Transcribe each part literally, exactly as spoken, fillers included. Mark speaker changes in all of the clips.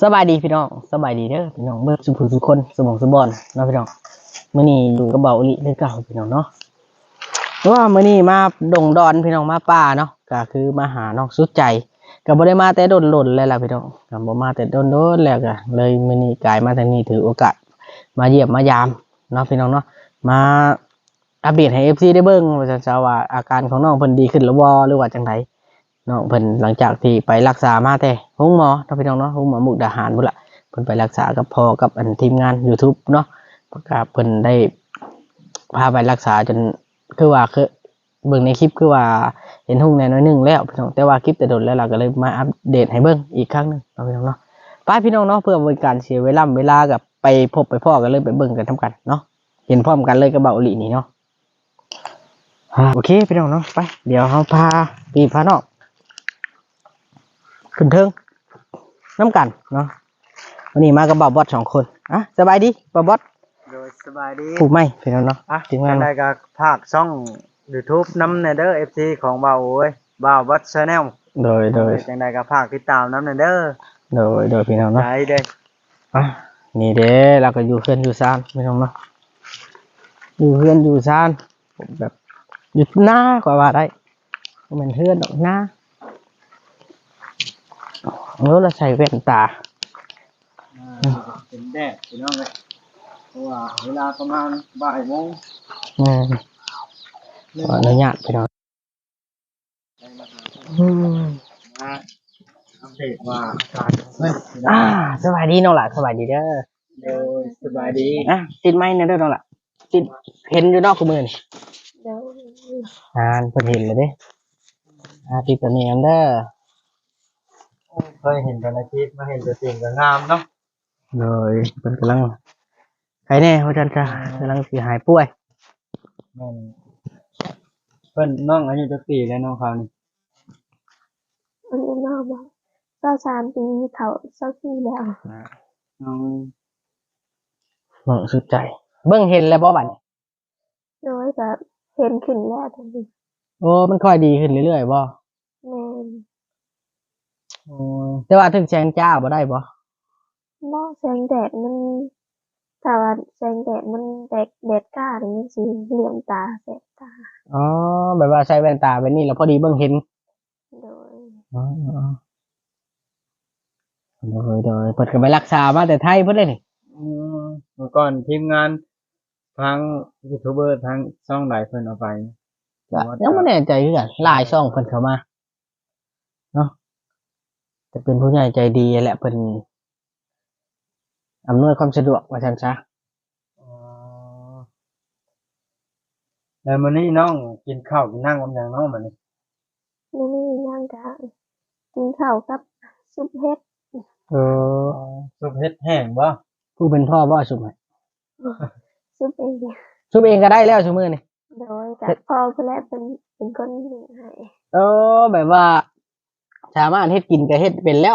Speaker 1: สบายดีพี่น้องสบายดีเด้อพี่น้องเบิดสุขุทุกคนสมองสมบอนเนาะพี่น้องมื้อนี้อยู่กับเบาอลิเลยเก่าพี่น้องเนาะเพราะว่ามื้อนี้มาดงดอนพี่น้องมาป่าเนาะก็คือมาหาน้องสุดใจก็บ่ได้มาแต่ดนๆเลยล่ะพี่น้องก็บ่มาแต่ดนๆแล้วก็เลยมื้อนี้กลายมาทางนี้ถือโอกาสมาเยี่ยมมายามเนาะพี่น้องเนาะมาอัปเดตให้ เอฟ ซี ได้เบิ่งว่าจะจะว่าอาการของน้องเพิ่นดีขึ้นแล้วบ่หรือว่าจังไดน้องเพิ่นหลังจากที่ไปรักษามาแต่โรงหมอเนาะพี่น้องเนาะโรงหมอมุกดาหารพุ่นล่ะเพิ่นไปรักษากับพ่อกับอันทีมงาน YouTube เนาะก็เพิ่นได้พาไปรักษาจนคือว่าคือเบิ่งในคลิปคือว่าเห็นหุ่งแน่น้อยนึงแล้วพี่น้องแต่ว่าคลิปแต่โดนแล้วเราก็เลยมาอัปเดตให้เบิ่งอีกครั้งนึงเนาะพี่น้องเนาะไปพี่น้องเนาะเพื่อบ่เป็นการเสียเวลาเวลากับไปพบไปพ้อกันเลยไปเบิ่งกันทำกันเนาะเห็นพร้อมกันเลยกับเบาหลีนี่เนาะโอเคพี่น้องเนาะไปเดี๋ยวเฮาพาพี่พาน้องขึ้นเทิงน้ำกันเนาะวันนี้มากับบ่าวบอสสองคนอ่ะสบายดีบ่าวบอส
Speaker 2: โดยสบายดี
Speaker 1: ถูกไหมพี่น้องเนาะ
Speaker 2: อ่ะถึงได้ก็ภาคช่อง YouTube นำแน่เด้อ เอฟ ซี ของบ่าวโอ้ยบ่าวบอส Channel
Speaker 1: โดยโดย
Speaker 2: จังได๋ก็ภาคติดตามนำแน่เด้อ
Speaker 1: โดยโดยพี่น้องเนาะ
Speaker 2: ได้เด้อ
Speaker 1: อ่ะนี่เด้เราก็อยู่เพื่อนอยู่ซ่านพี่น้องเนาะอยู่เพื่อนอยู่ซ่านแบบอยู่หน้ากว่าว่าได้เหมือนเพื่อนดอกหน้าแล้วเราใส่แว่นตา
Speaker 2: เป็นแดดพี่น้องเอ้ยเพราะว่าเวลาประมาณบ่ายโมง
Speaker 1: อืมขออนุญาตพี่น้องอืม
Speaker 2: มาอัปเดตว่าอาการเฮ้ย
Speaker 1: อ่าสบายดีน้องหล่ะสบายดีเด้อ
Speaker 2: โดยสบายดี
Speaker 1: อ่ะติดไม้นะเด้อน้องหล่ะติดเห็นอยู่นอกกูมือนี่อ่านเพิ่นเห็นเลยเด้อ่าติดตัวนี้อันเด้อ
Speaker 2: เคยเห็นแต่ในคลิปมาเห็นตัวจริงก็งามเนาะ
Speaker 1: เลยเพิ่นกำลังใครแน่ว่าจันจะกำลังสิหายป่วย
Speaker 2: แม่นเพิ่นน้องอายุจักปีแล้วน้องเขานี่
Speaker 3: อันนี้นอกบอกเจ้าชานปีเขาเจ้าที่แล้ว
Speaker 2: น้อง
Speaker 1: เบิ่งสุดใจเบิ่งเห็นแล้วบ่บัดนี้
Speaker 3: โดยแบบเห็นขึ้นแล้วทันที
Speaker 1: โอ้มันค่อยดีขึ้นเรื่อยๆบ่
Speaker 3: แม่น
Speaker 1: โอ้แต่ว่าถึงแสงจ้าบ่ได้บ่
Speaker 3: นอกแสงแดดมันถ้าว่าแสงแดดมันแดดแดดกล้าหรือมันสีเหลื่อมตาแสบตา
Speaker 1: อ๋อแบบว่าใช้แว่นตาแบบนี้แล้วพอดีเบิ่งเห็น
Speaker 3: โดย
Speaker 1: อ๋อโดยโดยเพิ่นก็ไปรักษามาแต่ไทยเพิ่นเลยนี่
Speaker 2: อืมเมื่อก่อนทีมงานทางยูทูบเบอร์ทางช่องหลายเพิ่นเอาไป
Speaker 1: ก็ยังบ่แน่ใจคือกันหลายช่องเพิ่นเข้ามาเนาะแต่เป็นผู้ใหญ่ใจดีแหละเพิ่นอำนวยความสะดวกว่าซั่นซะ
Speaker 2: อ๋อแล้วมื้อนี้น้องกินข้าวกินนั่งกับหยังน้องมื้อนี้
Speaker 3: นี่นี่ย่างกะกินข้าวกับซุปเห็ด
Speaker 1: เออ
Speaker 2: ซุปเห็ดแห้งบ่
Speaker 1: ผู้เป็นพ่อบ่ซุมให้
Speaker 3: ซุปเอง
Speaker 1: ซุมเองก็ได้แล้วซุมื้อนี่
Speaker 3: โดยกับพ่อเพิ่นแลเป็นเป็นคนหนึ่งให้
Speaker 1: เออแบบว่าสามารถเฮ็ดกินก็เฮ็ดเป็นแล้ว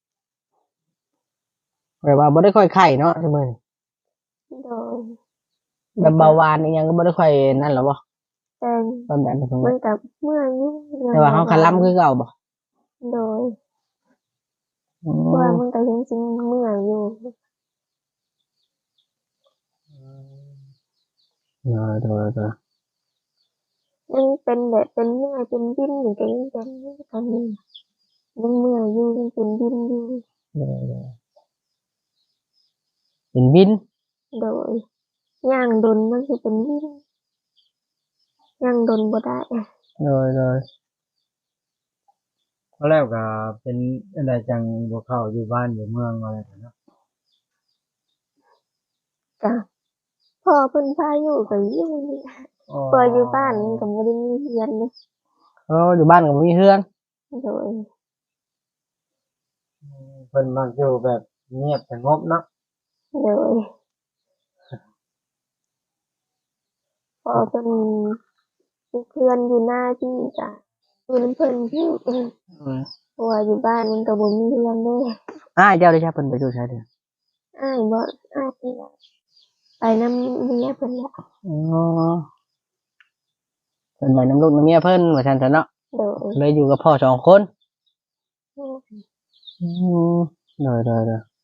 Speaker 1: แบบว่าบ่ได้ค่อยไข้เนาะซุมื้อนี้
Speaker 3: โดย
Speaker 1: แบบเบาหวานอีหยังก็บ่ได้ค่อยนั่นหรอบ่
Speaker 3: แต่
Speaker 1: ความดันสูง
Speaker 3: มันกับเมื่อยอยู่
Speaker 1: แต่ว่าเฮาคันล้ำคือเก่าบ่
Speaker 3: โดย
Speaker 1: อื
Speaker 3: ว่า
Speaker 1: อ
Speaker 3: มันก็ยังจริงเมื่อยอยู่
Speaker 1: เออเดๆ
Speaker 3: ยังเป็นแบบเป็นเมื่อยเป็นดิ้นอยู่ก็ยังเป็นตอนนี้ยังเมื่อยอยู่ยังเป็นดิ้นอยู่
Speaker 1: ๆเดๆเป็นวิน
Speaker 3: โดยย่างดนมันสิเป็นดิ้นย่างดนบ่ได้
Speaker 1: โดย
Speaker 2: เพราะแล้วก็เป็นอันใดจังบ่เข้าอยู่บ้านอยู่เมืองอะไรเนาะ
Speaker 3: จ้ะพอเพิ่นพาอยู่ก็อยู่นี่
Speaker 2: อ๋อ
Speaker 3: พออยู่บ้านมันก็บ่ได้มีเรือนนี่
Speaker 1: ๆเอออยู่บ้านก็บ่มีเรือน
Speaker 3: โดย
Speaker 2: เพิ่นมักอยู่แบบเงียบสงบเนาะ
Speaker 3: โดยพอเพิ่นมีเพื่อนอยู่หน้าที่จ้ะอยู่นำเพิ่นอยู่
Speaker 1: อือ
Speaker 3: เพราะว่าอยู่บ้านมันก็บ่มีเรือนเด้
Speaker 1: อ้ายเจ้าได้ใช้เพิ่นไปอยู่ไสเด้อ
Speaker 3: อ้ายบ่อ้ายเพิ่นไปนำเมียเพิ่นแหละ
Speaker 1: อ๋อเพิ่นไปนำลูกนำเมียเพิ่นว่าซั่นซะเนาะ
Speaker 3: โดย
Speaker 1: เลยอยู่กับพ่อสองคน
Speaker 3: อืม
Speaker 1: อือเดๆ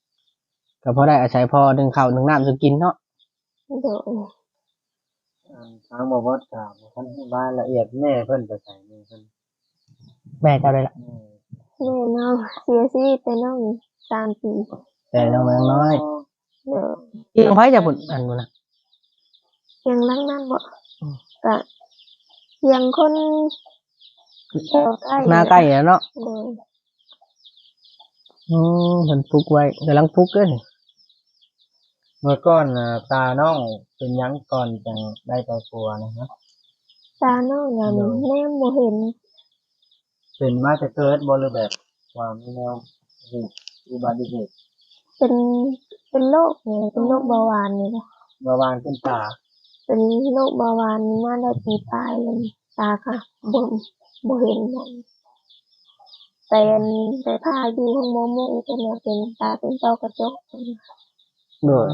Speaker 1: ก็พอได้อาศัยพอนึ่งข้าวนึ่งน้ำจะกินเนาะ
Speaker 3: โดย
Speaker 2: อันทางบ่บ่ถามท่านรายละเอียดแม่เพิ่นไปใส่นี่เพิ่น
Speaker 1: แม่เจ้าได้ละ
Speaker 2: แม่
Speaker 3: แม่น้องเสียชีวิตไปน้องสามปี
Speaker 1: แต่น้องแมงน้อย
Speaker 3: โดย
Speaker 1: เอียงไผจะบุญอันนู้นนะ
Speaker 3: เพียงหลังนั้นบ่ก็เพียงคนแถวใกล้
Speaker 1: หน้าใกล้แล้วเนาะ
Speaker 3: โดย
Speaker 1: อืมเพิ่นปลูกไว้กำลังปลูกเด้อนี่
Speaker 2: เมื่อก่อนน่ะตาน้องเป็นหยังก่อนจังได้ไปปัวนะฮะ
Speaker 3: ตาน้องนั่นแนมบ่เห็น
Speaker 2: เป็นมาแต่เกิดบ่หรือแบบว่ามีแนวอุบัติเหตุ
Speaker 3: เป็นเป็นโรคเนี่ยเป็นโรคเบาหวานนี่นะ
Speaker 2: เมื่อวานขึ้นตา
Speaker 3: เป็นโรคเบาหวานมาได้ปีปลายเลยตาค่ะบ่บ่เห็นนั่นแต่อันแต่พาอยู่ห้องหมอหมู่เพิ่นว่าเป็นตาเป็นต้อกระจก
Speaker 1: โดย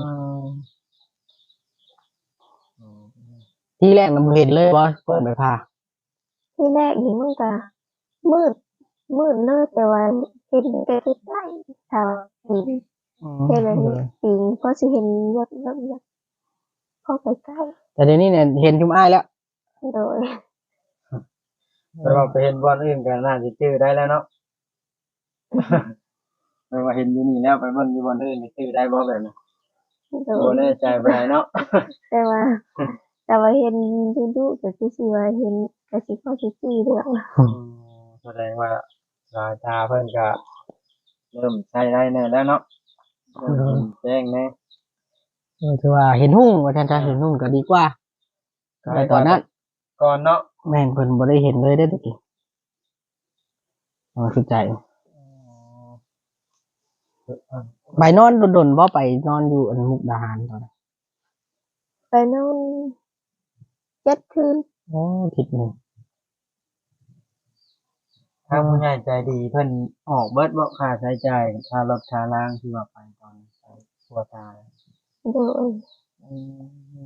Speaker 2: อืม
Speaker 1: ที่แรกนำเห็นเลยว่าเปิดไปพา
Speaker 3: ที่แรกนี่มันก็มืดมืดเลยแต่ว่าเห็นแต่ใกล้ๆถ้าว่าปีนเห็นแบบนี้ปีนพอสิเห็นยดยดยดพอใกล้
Speaker 1: แต่เดี๋ยวนี้เนี่ยเห็นชุมอ้ายแล้ว
Speaker 3: ๆโดย
Speaker 2: แต่ว่าไปเห็นบอลอื่นก็น่าจะชื่อได้แล้วเนาะ ไปว่าเห็นอยู่นี่แล้วไปบอลอยู่บอลอื่นนี่ชื่อได้บ่แบบนั้น
Speaker 3: โด
Speaker 2: บ่
Speaker 3: ย
Speaker 2: แน่ใจไปไหนเนาะ
Speaker 3: แต่ว่า แต่ว่าเห็นดุๆก็คือสิว่าเห็นก็สิพอสิจี้เรื่อง
Speaker 2: อืมแสดงว่าสายตาเพิ่นก็เริ่มใช้ได้แน่แล้วเนาะเริ่มเห็นแจ้งแน่
Speaker 1: เออถือว่าเห็นหุ่งว่าท่านจะเห็นหุ่งก็ดีกว่าแต่ตอนนั้น
Speaker 2: ก่อนเนาะ
Speaker 1: แม่นเพิ่นบ่ได้เห็นเลยได้อตะกี้อ๋อคือใจไปนอนดนๆบ่ไปนอนอยู่อันมุกดาหารตอนนั้น
Speaker 3: ไปนอนเจ็ดคืน
Speaker 1: โอ้ทิศหนึง
Speaker 2: ทางผู้ใหญ่ใจดีเพิ่นออกเบิดบ่ค่าใช้จ่ายค่ารถค่าล่างที่ว่าไปตอนไปปัวตา
Speaker 3: โดย
Speaker 2: อืม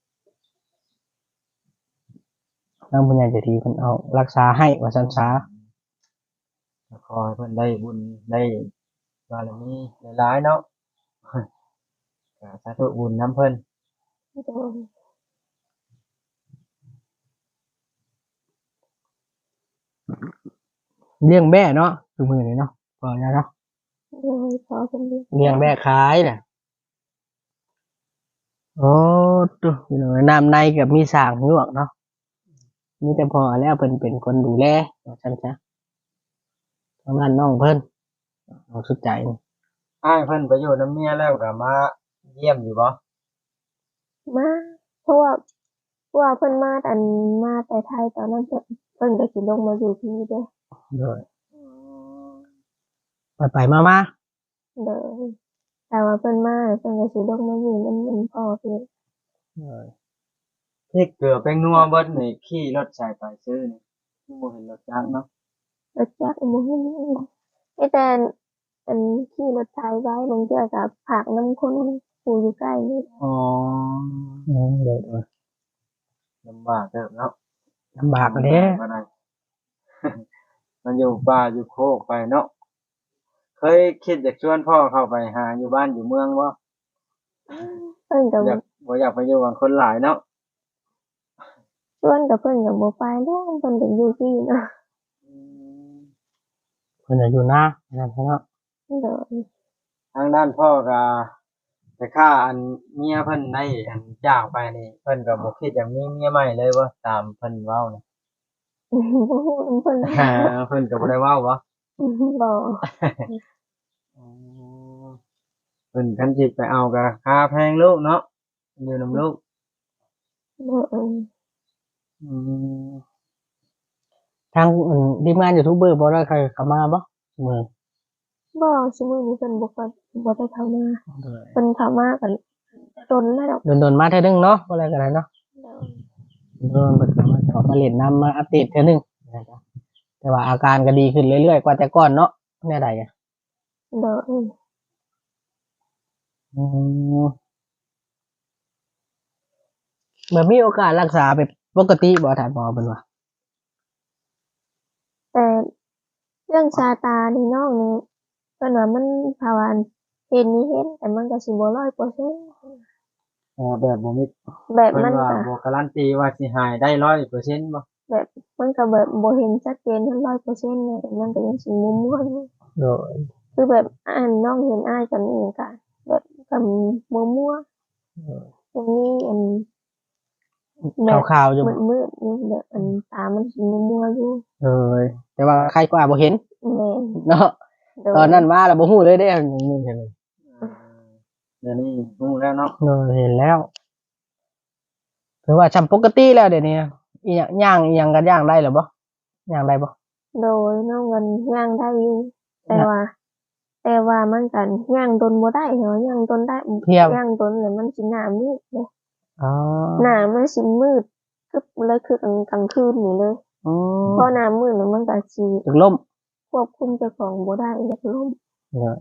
Speaker 1: ทางผู้ใหญ่ใจดีเพิ่นเอารักษาให้ว่าซั่นซะ
Speaker 2: ขอให้เพิ่นได้บุญได้บารมีหลายๆเนาะ ก็สาธุบุญนํเพิ่น
Speaker 3: โดย
Speaker 1: เลี้ยงแม่เนาะคือมื้อนี้เนาะพอแล้วเนาะ
Speaker 3: โดยพอเป็นเรื่อง
Speaker 1: เลี้ยงแม่ขายน่ะโอ้ตัวพี่น้องน้ำในก็มีสร้างยวกเนาะมีแต่พอแล้วเพิ่นเป็นคนดูแลว่าซั่นซะทางด้านน้องเพิ่นเอาสุดใจนี่
Speaker 2: อ้ายเพิ่นไปอยู่นํเมียแล้วก็มาเยี่ยมอยู่บ่
Speaker 3: มาเพราะว่าเพราะว่าเพิ่นมาอันมาแต่ไทยตอนนั้นเพิ่นเพิ่นก็สิลงมาอยู่ที่นี่เด้อ
Speaker 1: โดยไปไปมามา
Speaker 3: เด้อแต่ว่าเพิ่นมาเพิ่นก็สิลงมาอยู่นำมันพ่อเพิ่น
Speaker 1: โดย
Speaker 2: พริกเกลือแป้งนัวเบิดนี่ขี่รถใส่ไปซื้อนี่บ่เห็นรถจักรเนาะ
Speaker 3: รถจักรบ่ฮู้มีแต่อันขี่รถไถไว้บางเทื่อก็ผากนำคนผู้อยู่ใกล้นี่
Speaker 2: อ๋อ
Speaker 1: อืมโดยโดย
Speaker 2: ลำบากเด้อเนาะ
Speaker 1: ลำบากอะเด้
Speaker 2: บ่ได้ มันอยู่ป่าอยู่โคกไปเนาะเคยคิดอยากชวนพ่อเข้าไปหาอยู่บ้านอยู่เมืองบ่
Speaker 3: เพิ่นก็
Speaker 2: อยากบ่อยากไปอยู่กับคนหลายเนาะ
Speaker 3: ชวนก็เพิ่นก็บ่ไปแล้วเพิ่นก็อยู่ที่เนาะ
Speaker 1: เพิ่นจะอยู่หน้านั่นเนาะ
Speaker 3: เด้อ
Speaker 2: ทางด้านพ่อก็แต่ค่าอันเมียเพิ่นได้อันจากไปนี่เพิ่นก็บ่คิดอยากมีเมียใหม่เลยบ่ตามเพิ่นเว้านี่
Speaker 3: บ่ฮู้เพิ่น
Speaker 2: เพิ่นก็บ่ได้เว้าบ่
Speaker 3: บ่
Speaker 2: อ๋อเพิ่นคันสิไปเอาก็ค่าแพงลูกเนาะอยู่นำลูก
Speaker 3: เด้อ
Speaker 2: อืม
Speaker 1: ทางอืมทีมงานยูทูบเบอร์บ่ได้ใครเข้ามาบ่มือ
Speaker 3: บ่ซุมื้อนี้เพิ่นบ่ค่อยบ่ได้เข้ามา
Speaker 1: โดย
Speaker 3: เพิ่นเข้ามาก็ดนแล้วดอก
Speaker 1: โดนๆมาเทื่อนึงเนาะบ่อะไรกันนะเนาะ
Speaker 3: เด้อ
Speaker 1: โดนเพิ่นเข้ามาขอมาเล่นน้ำมาอัปเดตเทื่อนึงนะครับแต่ว่าอาการก็ดีขึ้นเรื่อยๆกว่าแต่ก่อนเนาะแน่ใดอ่ะ
Speaker 3: เด้อ
Speaker 1: อืมแบบมีโอกาสรักษาไปปกติบ่ถามหมอเพิ่นว่า
Speaker 3: แต่เรื่องชาตานี่น้องนี่เพิ่นว่ามันภาวะเห็นนี่เห็นแต่มันก็สิบ่ร้อยเปอร์เซ็นต์
Speaker 2: อ๋อแบบบ่มี
Speaker 3: แบบ
Speaker 2: เพิ่น
Speaker 3: มัน
Speaker 2: ว่า
Speaker 3: ก็
Speaker 2: บ่การันตีว่าสิหายได้ ร้อยเปอร์เซ็นต์ บ่
Speaker 3: แบบมันก็แบบบ่เห็นชัดเจนทั้งร้อยเปอร์เซ็นต์เลยแต่มันก็ยังสิมั่วๆอยู่
Speaker 1: โดย
Speaker 3: คือแบบอ่านน้องเห็นอ้ายกันนี่ก็แบบก็มั่วๆตรงนี้อันแบบ
Speaker 1: ข่าวๆอยู่
Speaker 3: มืดๆอยู่แบบอันตามันสิมั่วๆอยู่
Speaker 1: เออแต่ว่าใครกว่าบ่เห็น
Speaker 3: แม่น
Speaker 1: เนาะ
Speaker 3: โดย
Speaker 1: ตอนนั้นมาแล้วบ่ฮู้เลยเด้อมึงเห็นเลย
Speaker 2: เออเดี๋ยวนี้รู้แล้วเนาะ
Speaker 1: เออเห็นแล้วถือว่าจำปกติแล้วเดี๋ยวนี้อีหยังย่างอีหยังก็ย่างได้แล้วบ่ย่างได้บ่
Speaker 3: โดยน้องกันย่างได้อยู่แต่
Speaker 1: น่ะ
Speaker 3: ว่า แต่ว่ามันก็ย่างตนบ่ได้เหรอย่างตนได้
Speaker 1: เทียม
Speaker 3: ย่างตนแล้วมันสิหน้ามืดเด้
Speaker 1: อ๋อ
Speaker 3: หน้ามันสิมืดกึบเลยคือกลางกลางคืนนี่เลย
Speaker 1: อืม
Speaker 3: พอหน้ามืดแล้วมันก็สิ
Speaker 1: ถึงล่ม
Speaker 3: ควบคุมเจ้าของบ่ได้อยากล้ม
Speaker 1: เนี่ย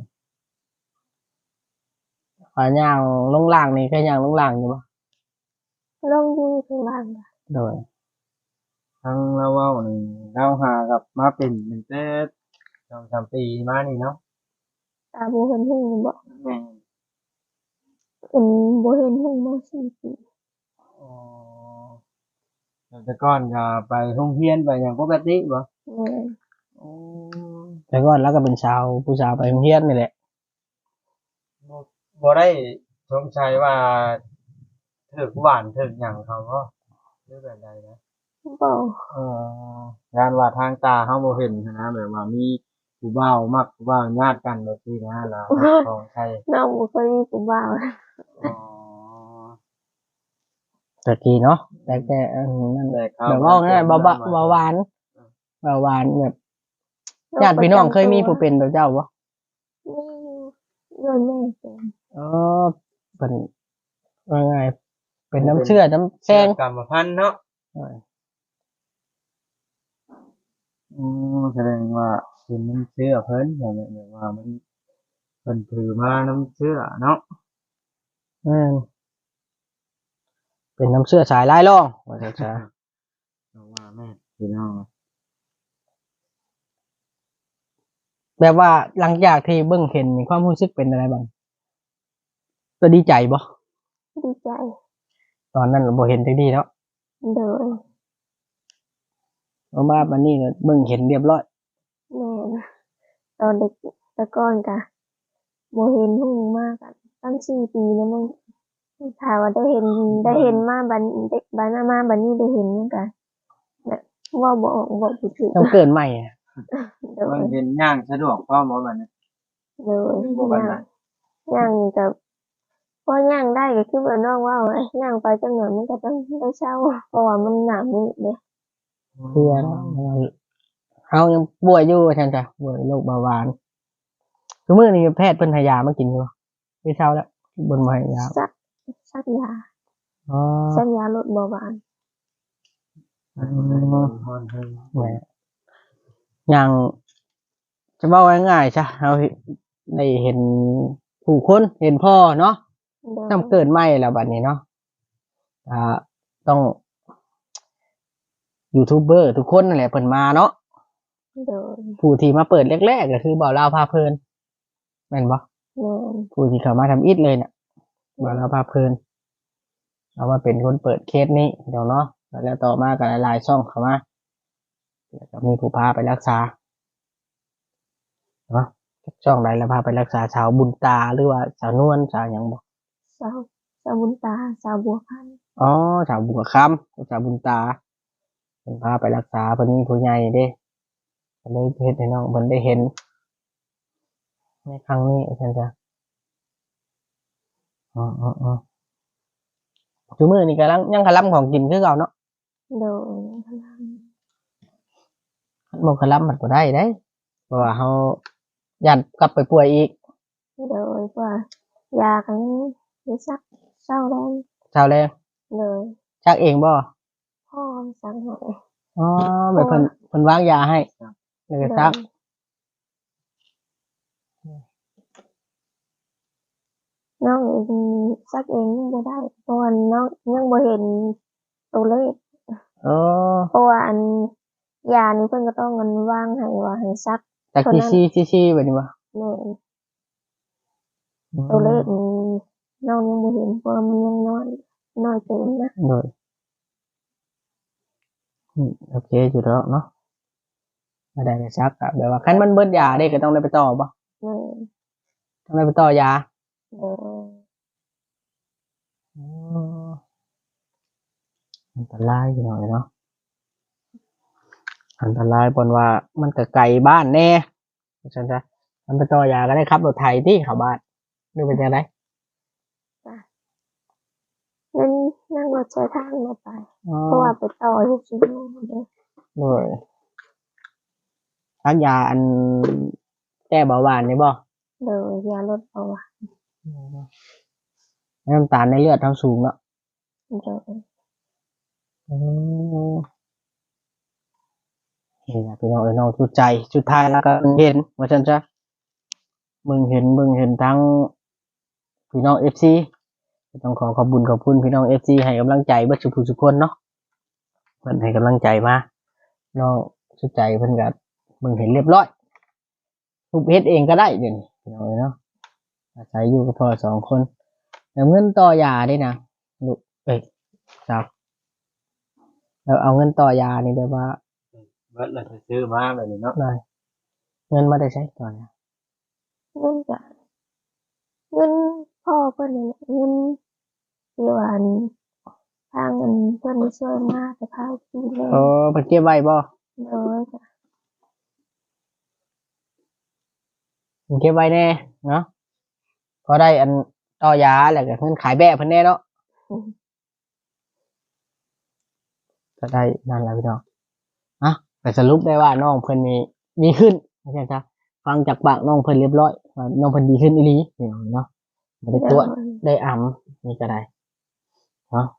Speaker 1: ว่าย่างลงล่างนี่ก็ย่างลงล่างอยู่บ่
Speaker 3: ลงอยู่ข้างล่างก็
Speaker 1: โดย
Speaker 2: ทั้งเราเว้านี่เราหากับมาเป็นตั้งแต่สองสามปีมานี่เนาะ
Speaker 3: ตาบ่เห็นหุ่งบ่
Speaker 2: แม่น
Speaker 3: เป็นบ่เห็นหุ่งมาสี่ปี
Speaker 2: อ๋อแล้วแต่ก่อนก็ไปโรงเรียนไปหยังปกติบ่
Speaker 3: แม่น
Speaker 2: อ๋อ
Speaker 1: แต่ก่อนแล้วก็เป็นชาวผู้สาวไปโรงเรียนนี่แหละ
Speaker 2: บ่บ่ได้สงสัยว่าถึกหวานถึกหยังเขาบ่หรือแบบใดนะ
Speaker 3: บ่
Speaker 2: อ๋องานว่าทางตาเฮาบ่เห็นหั้นนะแบบว่ามีผู้บ่าวมักผู้บ่าวญาติกันแบบนี้นะแล้วของใคร
Speaker 3: น้องบ่เคยมีผู้บ่าว
Speaker 2: อ๋อ
Speaker 1: ตะกี้เนาะแต่แต่อันนั้น
Speaker 2: แต่เขา
Speaker 1: แบบว่าง่ายๆเบาๆเบาหวานเบาหวานแบบญาติพี่น้องเคยมีผู้เป็นแบบเจ้าบ่
Speaker 3: มีอยู่เงินแม่เป็น
Speaker 1: อ๋อเป็นว่าไงเป็นน้ำเชื่อน้ำแซ
Speaker 2: เชื่อง กรรมพันธุ์เนาะ อืมแสดงว่าเป็นน้ำเชื่อเพิ่นแบบแบบว่ามันเพิ่นถือมาน้ำเชื่อเนาะ
Speaker 1: อืมเป็นน้ำเชื่อสายลายล่องว่าจะจะ
Speaker 2: เพราะว่าแม่พี่น้อง
Speaker 1: แบบว่าหลังจากที่เบิ่งเห็นนี่ความรู้สึกเป็นอะไรบ้างก็ดีใจบ่
Speaker 3: ดีใจ
Speaker 1: ตอนนั้นเราบ่เห็นจังดีแล้ว
Speaker 3: โดย
Speaker 1: เพราะว่ามันนี่ก็เบิ่งเห็นเรียบร้อย
Speaker 3: แม่นตอนเด็กแต่ก่อนก็บ่เห็นหุ่งมากอะตั้งสี่ปีแล้วมึงถ้าว่าได้เห็นได้เห็นมาบัดเด็กบัดมามาบัดนี้ได้เห็นมันก็แบบเว้าบ่ออกเว้าบ่ถูก
Speaker 1: ต้องเกิดใหม่อะ
Speaker 3: โด
Speaker 2: เพิ่
Speaker 3: ย
Speaker 2: นเห็นย่างสะดวกพร้อมบ่บัดนี้
Speaker 3: โดย
Speaker 2: บ่บัด
Speaker 3: ย่าง
Speaker 2: นั้น
Speaker 3: ย่างนี่ก็พอย่างได้ก็คือว่าน้องเว้าอะย่างไปจักหน่อยมันก็ต้องได้เช้าเพราะว่ามันหน้ามืดเด้
Speaker 1: เพื่อเฮายังป่วยอยู่ว่าซั่นจ้ะป่วยโรคเบาหวานคือมื้อนี้แพทย์เพิ่นให้ยามากินอยู่ไม่เช้าแล้วเบิ่นมาให้ยา
Speaker 3: ซักซักยา
Speaker 1: อ๋อ
Speaker 3: ซักยาลดเบาหวาน
Speaker 2: ฮอนฮอนเพิ่น
Speaker 1: แหมอย่างจะเว้าง่ายๆซะเฮาได้เห็นผู้คนเห็นพ่อเนาะ
Speaker 3: โดย
Speaker 1: ทำเกิดใหม่แล้วบัดนี้เนาะอ่าต้องยูทูบเบอร์ทุกคนนั่นแหละเพิ่นมาเนาะ
Speaker 3: โดย
Speaker 1: ผู้ที่มาเปิดแรกๆก็คือบ่าวลาวพาเพลินแม่นบ่
Speaker 3: แม่น
Speaker 1: ผู้ที่เข้ามาทำอิฐเลยเนี่ยบ่าวลาวพาเพลินเอามาเป็นคนเปิดเคสนี้เดี๋ยวเนาะแล้วต่อมาก็หลายๆช่องเข้ามาแล้วก็มีผู้พาไปรักษาเนาะช่องใดแล้วพาไปรักษาชาวบุญตาหรือว่าชาวนวลชาวหยังบ่
Speaker 3: สาวสาวบุญตาสาวบัวพันธุ์
Speaker 1: อ๋อชาวบุญคำชาวบุญตาเพิ่นพาไปรักษาเพิ่นมีผู้ใหญ่เด้เพิ่นเลยเฮ็ดให้น้องเพิ่นได้เห็นในครั้งนี้อาจารย์จ้ะอ๋อๆๆคือมื้อนี้กำลังยังกะลำของกินคือเก่าเนาะ
Speaker 3: โดย
Speaker 1: หมกกะลำมันบ่ได้เด้เพราะว่าเฮาย้านกลับไปป่วยอีก
Speaker 3: โดยว่ายากันได้ซักเศร้าแรง
Speaker 1: เช้าแลง
Speaker 3: เลย
Speaker 1: ชักเองบ่
Speaker 3: พ่อสั่งให้
Speaker 1: อ๋อแบบเพิ่นเพิ่นวางยาให้แล้วก็ซัก
Speaker 3: น้องเองซักเองยังบ่ได้เพราะว่าน้องยังบ่เห็นตัวเลข
Speaker 1: อ๋อ
Speaker 3: เพราะว่าอันยานี้เพิ่นก็ต้องเงินว่างให้ว่าให้ซัก
Speaker 1: จาก
Speaker 3: เท่านั้น
Speaker 1: ซีซีซีๆแบบนี้บ่
Speaker 3: แม่นตัวเลขนี่น้องยังบ่เห็นเพราะว่ามันยังน้อยน้อยเกินนะ
Speaker 1: โดยอืมโอเคอยู่แล้วเนาะไม่ได้ไปซักอะแบบว่าคันมันเบิดยาได้ก็ต้องได้ไปต่อบ่
Speaker 3: แม่น
Speaker 1: ต้องได้ไปต่อยา
Speaker 3: โดย
Speaker 1: อ๋ออันตรายอยู่หน่อยเนาะอันตรายปนว่ามันก็ไกลบ้านแน่ฉันจะมันไปต่อยาก็ได้ครับรถไถที่เข้าบ้านหรือเป็นยังไง
Speaker 3: นั่นนั่งรถใช้ทางมาไป
Speaker 1: อ๋อ
Speaker 3: เพราะว่าไปต่อที่ชิโน่เด้อ
Speaker 1: โดยทักยาอันแก้เบาหวานนี่บ่
Speaker 3: โดยยาลดเบาหวาน
Speaker 1: น้ำตาลในเลือดทั้งสูงแล้ว
Speaker 3: โดย
Speaker 1: อืมนี่นะพี่น้องเอ้ยน้องชุดใจชุดท้ายแล้วก็เห็นว่าฉันจะมึงเห็นมึงเห็นทั้งพี่น้องเอฟซีต้องขอขอบคุญขอบคุณพี่น้องเอฟซีให้กำลังใจเบิดทุกผู้ทุกคนเนาะเพิ่นให้กำลังใจมาน้องชุดใจเพิ่นก็มึงเห็นเรียบร้อยทุกเฮ็ดเองก็ได้เดี๋ยวนี้พี่น้องเอ้ยเนาะอาศัยอยู่กับพ่อสองคนแต่เงินต่อยาได้นะลูกเอ้ยสาวเราเอาเงินต่อยานี่เดี๋ยวว่า
Speaker 2: เบิดเลยซื้อมาแบบนี้เนาะ
Speaker 1: ได้เงินมาได้ใช้ต่อยา
Speaker 3: เงินจะเงินพ่อเพิ่นนี่แหละเงินที่ว่าอันทางเงินเพิ่นนี่ช่วยมาแต่พาที่เลย
Speaker 1: โอ้เพิ่นเก็บไว้บ่
Speaker 3: โดยจ้ะ
Speaker 1: เพิ่นเก็บไว้แน่เนาะพอได้อันต่อยาแล้วก็เพิ่นขายแบะเพิ่นแน่เนาะก็ได้นั่นแหละพี่น้องอ่ะแต่สรุปได้ว่าน้องเพิ่นนี่ดีขึ้นไม่ใช่จ้ะฟังจากปากน้องเพิ่นเรียบร้อยว่าน้องเพิ่นดีขึ้นอีหลีพี่น้องเนาะบ่ได้ตรวจ
Speaker 3: โดย
Speaker 1: ได้อ่ำนี่ก็ได้เนาะ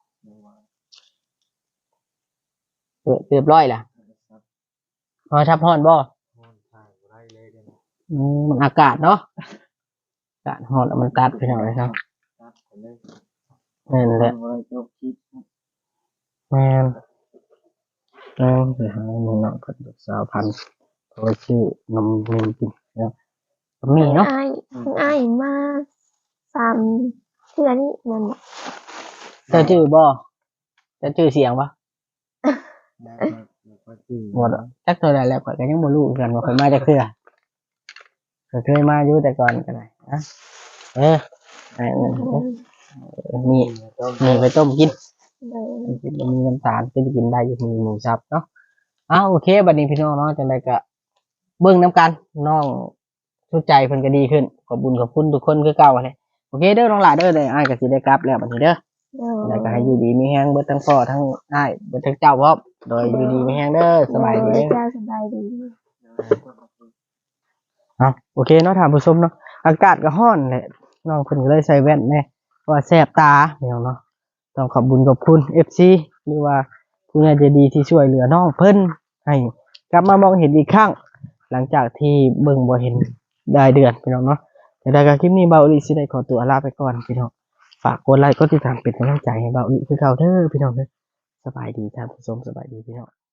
Speaker 1: เออเรียบร้อยล่ะพอทับฮ้อนบ่
Speaker 2: ถ่ายบ่ได้เลยเดี๋ยวนี้
Speaker 1: อืมมันอากาศเนาะอากาศฮ้อนแล้วมันตัดพี่น้องเลยครับ
Speaker 2: ตัดไปเลย
Speaker 1: นั่นแหละ
Speaker 2: บ่ได้จบคลิป
Speaker 1: แม่นแม่นไปหาหนึ่งเนาะก็สาวพันธุ์เขาชื่อนมเนมกินเนาะมีเนาะ
Speaker 3: อ้ายเพิ่นอ้ายมาสามเทื่อนี้นั่นน่ะ
Speaker 1: เจ้าชื่อบ่เจ้าชื่อเสียงปะ
Speaker 2: ได้ครับแล้วก็ซื้อ
Speaker 1: หมดอะจักเท่าไรแล้วข่อยก็ยังบ่รู้คือกันว่าข่อยมาจากเทื่อข่อยเคยมาอยู่แต่ก่อนก็ได้นะเออไอ้นั่นเด้อมี
Speaker 2: ต้ม
Speaker 1: มีไปต้มกิน
Speaker 3: โดย
Speaker 1: กินมีน้ำตาลก็จะกินได้อยู่มีหมูสับเนาะอ้าวโอเคบัดนี้พี่น้องเนาะจังไดก็เบิ่งน้ำกันน้องชุดใจเพิ่นก็ดีขึ้นขอบคุญขอบคุณทุกคนคือเก่าเลยโอเคเด้อน้องหลาเด้อเลยอ้ายก็สิได้กลับแล้วบัดนี้เด้อ
Speaker 3: โดย
Speaker 1: แล้วก็ให้อยู่ดีมีแฮงเบิดทั้งพ่อทั้งอ้ายเบิดทั้งเจ้าพร้อมโดยอยู่ดีมีแฮงเด้อสบายดี
Speaker 3: โด
Speaker 1: เด้อ
Speaker 3: เจ้าสบายดี
Speaker 1: เอาโอเคเนาะท่านผู้ชมเนาะอากาศก็ร้อนแหละน้องเพิ่นก็เลยใส่แว่นแน่เพราะว่าแสบตาพี่น้องเนาะต้องขอบคุญขอบคุณ เอฟ ซี หรือว่าผู้ใหญ่ใจดีที่ช่วยเหลือน้องเพิ่นให้กลับมามองเห็นอีกครั้ง หลังจากที่เบิ่งบ่เห็นได้เดือนพี่น้องเนาะแต่ได้ก็คลิปนี้เบาอีหลีสิได้ขอตัวลาไปก่อนพี่น้องฝากกดไลค์กดติดตามเป็นกำลังใจให้เบาอีหลีคือเก่าเด้อพี่น้องเด้อสบายดีท่านผู้ชมสบายดีพี่น้อง